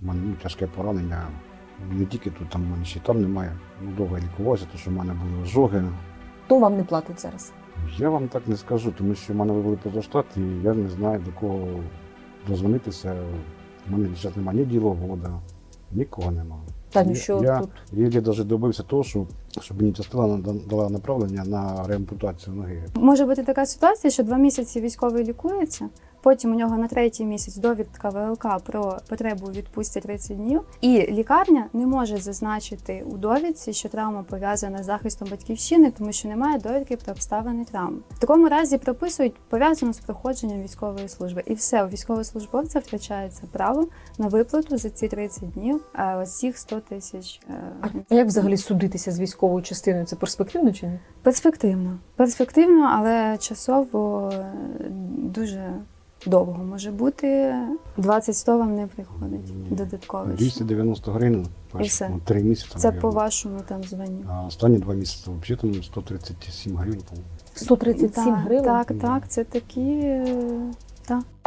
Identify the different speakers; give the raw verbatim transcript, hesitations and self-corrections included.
Speaker 1: У мене ну, тяжке поранення. Не тільки тут, там в мене ще там немає. Ну, довго я лікувався, тому що в мене були ожоги.
Speaker 2: Хто вам не платить зараз?
Speaker 1: Я вам так не скажу, тому що в мене вивели позаштат, і я не знаю, до кого дозвонитися. У мене зараз немає ні діловода, нікого немає.
Speaker 2: Та ну
Speaker 1: Я-
Speaker 2: що
Speaker 1: я
Speaker 2: тут?
Speaker 1: єлі навіть добився того, що, щоб мені частина дала направлення на реампутацію ноги.
Speaker 3: Може бути така ситуація, що два місяці військовий лікується, потім у нього на третій місяць довідка ВЛК про потребу у відпустці тридцять днів, і лікарня не може зазначити у довідці, що травма пов'язана з захистом батьківщини, тому що немає довідки про обставини травми. В такому разі прописують пов'язано з проходженням військової служби. І все, у військовослужбовця втрачається право на виплату за ці тридцять днів е, ось цих сто тисяч.
Speaker 2: А як взагалі судитися з військовою частиною? Це перспективно чи ні?
Speaker 3: Перспективно. Перспективно, але часово е, дуже довго може бути. двадцять сто вам не приходить додатково.
Speaker 1: двісті дев'яносто гривень,
Speaker 3: І все.
Speaker 1: ну, три місяці.
Speaker 3: Це
Speaker 1: мабуть.
Speaker 3: по вашому там званню.
Speaker 1: А останні два місяці взагалі там сто тридцять сім гривень. по-моєму.
Speaker 2: сто тридцять сім
Speaker 3: Так,
Speaker 2: гривень?
Speaker 3: Так, так, це такі. е, Так.